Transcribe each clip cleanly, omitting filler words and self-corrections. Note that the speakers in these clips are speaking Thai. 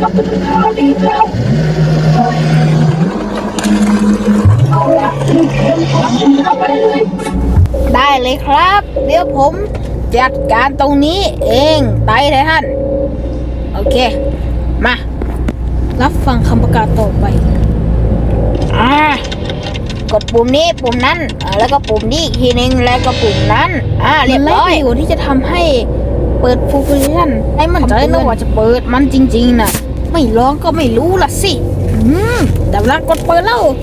ได้เลยครับเดี๋ยวผมจัดการตรงนี้เองไต่ไททันโอเคมารับฟังคำประกาศต่อไปกดปุ่มนี้ปุ่มนั้นแล้วก็ปุ่มนี้อีกทีนึงแล้วก็ปุ่มนั้นเรียบร้อยที่จะทำให้เปิดฟูลฟิชั่นให้มันใจนะว่าจะเปิดมันจริงๆนะไม่ลองก็ไม่รู้ล่ะสิแต่เวลากดเปิดแล้ว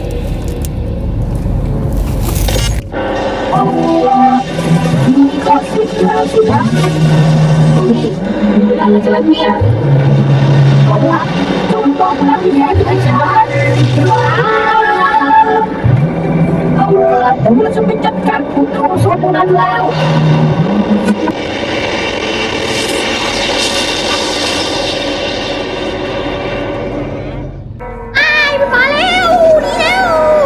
ผมจะไปจัดการผู้ทำส่วนนั้นแล้วมาแล้วนี่แล้ว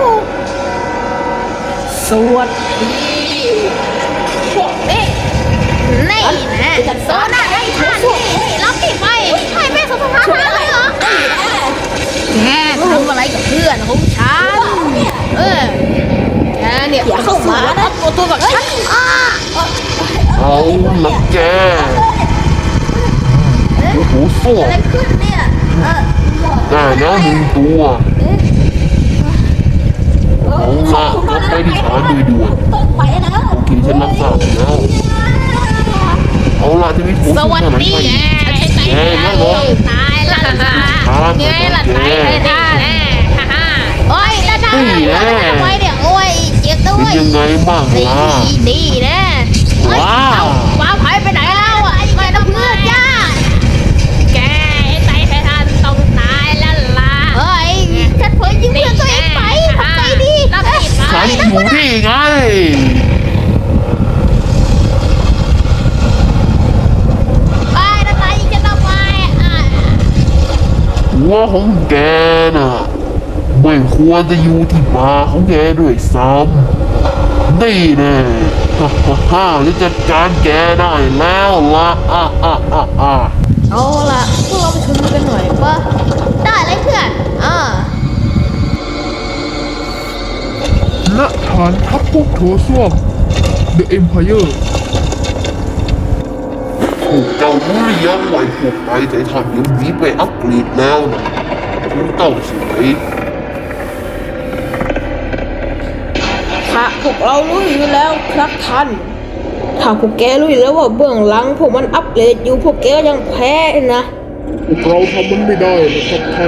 สวัสดีพวกนี้นี่นะโซน่าได้ท่านรับติดไปใช่แม่สภาพอะไรเหรอแกทำอะไรกับเพื่อนของฉันแกเนี่ยอย่าเข้ามานะตัวกับฉันเอาละแกโอ้โหส้วมอะไรขึ้นเนี่ยได้แล้วหนึ่งตัวเอาละก็ไปที่ฐานโดยด่วนโอเคฉันรับทราบแล้วเอาละจะมีผู้ช่วยหน่อยไหมแกแล้วเหรอตายละไงล่ะตายเลยท่านโอ้ยแล้วท่านทำไมเนี่ยโอ้ยเจ็บด้วยเป็นยังไงบ้างล่ะดีนะว้าวว้าวหายไปไหนแล้วไม่ต้องเพื่อนย่าแกไอ้ไททันต้องตายแล้วล่ะเฮ้ยฉันเผยยิงเพื่อนตัวเองไปทำไงดีฉันอยู่นี่ไงหัวของแกน่ะไม่ควรจะอยู่ที่บาของแกด้วยซ้ำนี่แน่จะจัดการแกได้แล้วล่ะเอาล่ะพวกเราไปชุมนุมกันหน่อยปะได้เลยเพื่อนณฐานทัพพวกโถส้วม The Empire พวกเจ้ารู้หรือยังว่าพวกไททันยังหนีไปอัปเกรดแล้วนะคุณต้องสวยพวกเรารู้อยู่แล้วครับท่านถ้าพวกแกรู้อยู่แล้วว่าเบื้องหลังพวกมันอัปเกรดอยู่พวกแกก็ยังแพ้นะพวกเราทำมันไม่ได้นะครับท่าน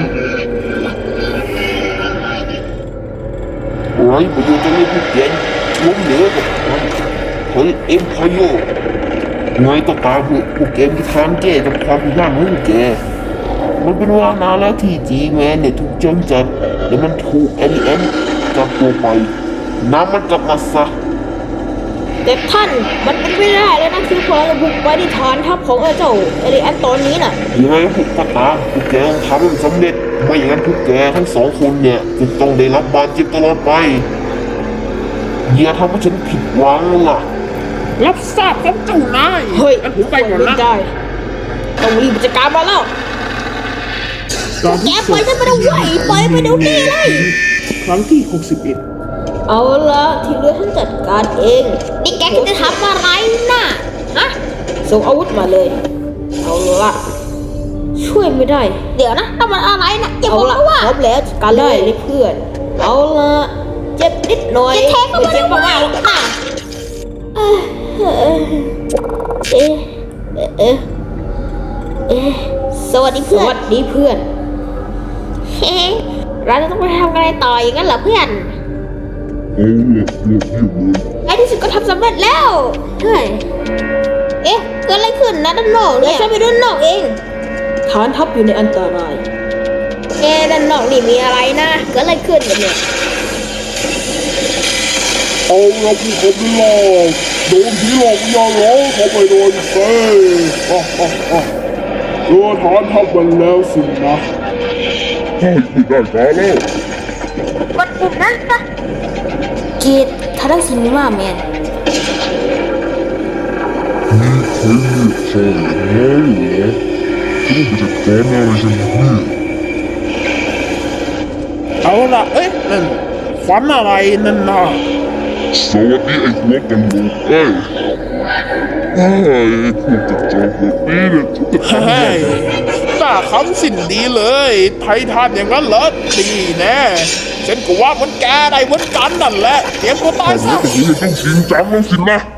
ไรประโยชน์จะไม่พูดเย็นล้มเหลวกับมันเฮ้ยเอ็มพายโยไงก็ตามพวกแกมีทางแก้กับความผิดพลาดของแกมันเป็นว่านานแล้วที่จีแมนเนี่ยถูกจำจัดแล้วมันถูกเอลิเอ็นจับตัวไปน้ำมันกลับมาซะแต่ท่านมันเป็นไม่ได้แล้วนะคือพอเราบุกไปที่ฐานทัพของเจ้าเอลิแอนตอนนี้น่ะยังไงพวกก็ตามพวกแกต้องทำให้มันสำเร็จไม่อย่างนั้นพวกแกทั้งสองคนเนี่ยจะต้องได้รับบาดเจ็บตลอดไปอย่าทำให้ฉันผิดหวังล่ะรับทราบครับเจ้านายเฮ้ยผมไปก่อนนะต้องรีบจัดการมาแล้วแกปล่อยฉันไปดูไว้ปล่อยไปดูนี่เลยครั้งที่61 เอาละที่เหลือฉันจัดการเองนี่แกจะทำอะไรน่ะส่งอาวุธมาเลยเอาละช่วยไม่ได้เดี๋ยวนะทำอะไรนะอย่าบอกว่าพร้อมแล้วจัดการเลยเพื่อนเอาละเจ็บนิดหน่อยจะแทงก็ไม่เจ็บมากค่ะสวัสดีเพื่อนเราจะต้องไปทำอะไรต่ออย่างนั้นเหรอเพื่อนในที่สุดก็ทำสำเร็จแล้วเฮ้ยเกิดอะไรขึ้นนะด้านนอกเนี่ยฉันไปด้านนอกเองฐานทัพอยู่ในอันตรายด้านนอกนี่มีอะไรนะเกิดอะไรขึ้นกันเนี่ยเอาเราผู้คนไม่หลอกโดนผีหลอกอย่าร้องเขาไปโดนเซ่ฐานทัพมันแล้วสินะได้แล้วกดปุ่มนั้นปะกีดทารังซินิมาแมนมีใครเรียกใช่ไหมเหรอ นี่แกคิดจะทำอะไรต่ออย่างนั้นเหรอเอ๊ะเกิดอะไรขึ้นนะด้านนอกเนี่ยฉันคิดว่าพวกแกต้องทำจัดการอะไรกันเนี่ยเอาละเอ๊ะนั่นขวัญอะไรนั่นน่ะสวัสดีไอ้หัวกันลูกเอ้ยไอ้พวกกระจอกแบบนี้เนี่ยฉันจะทำเฮ้ยังยไงหน้าคำสิ้นดีเลยไทยทานอย่างนั้นเหรอดีแน่ฉันก็ว่ามันแกได้เหมือนกันนั่นแหละเตรียมตัวตายทำไมซะต้องรู้ต้องจริงจังแล้วสินะ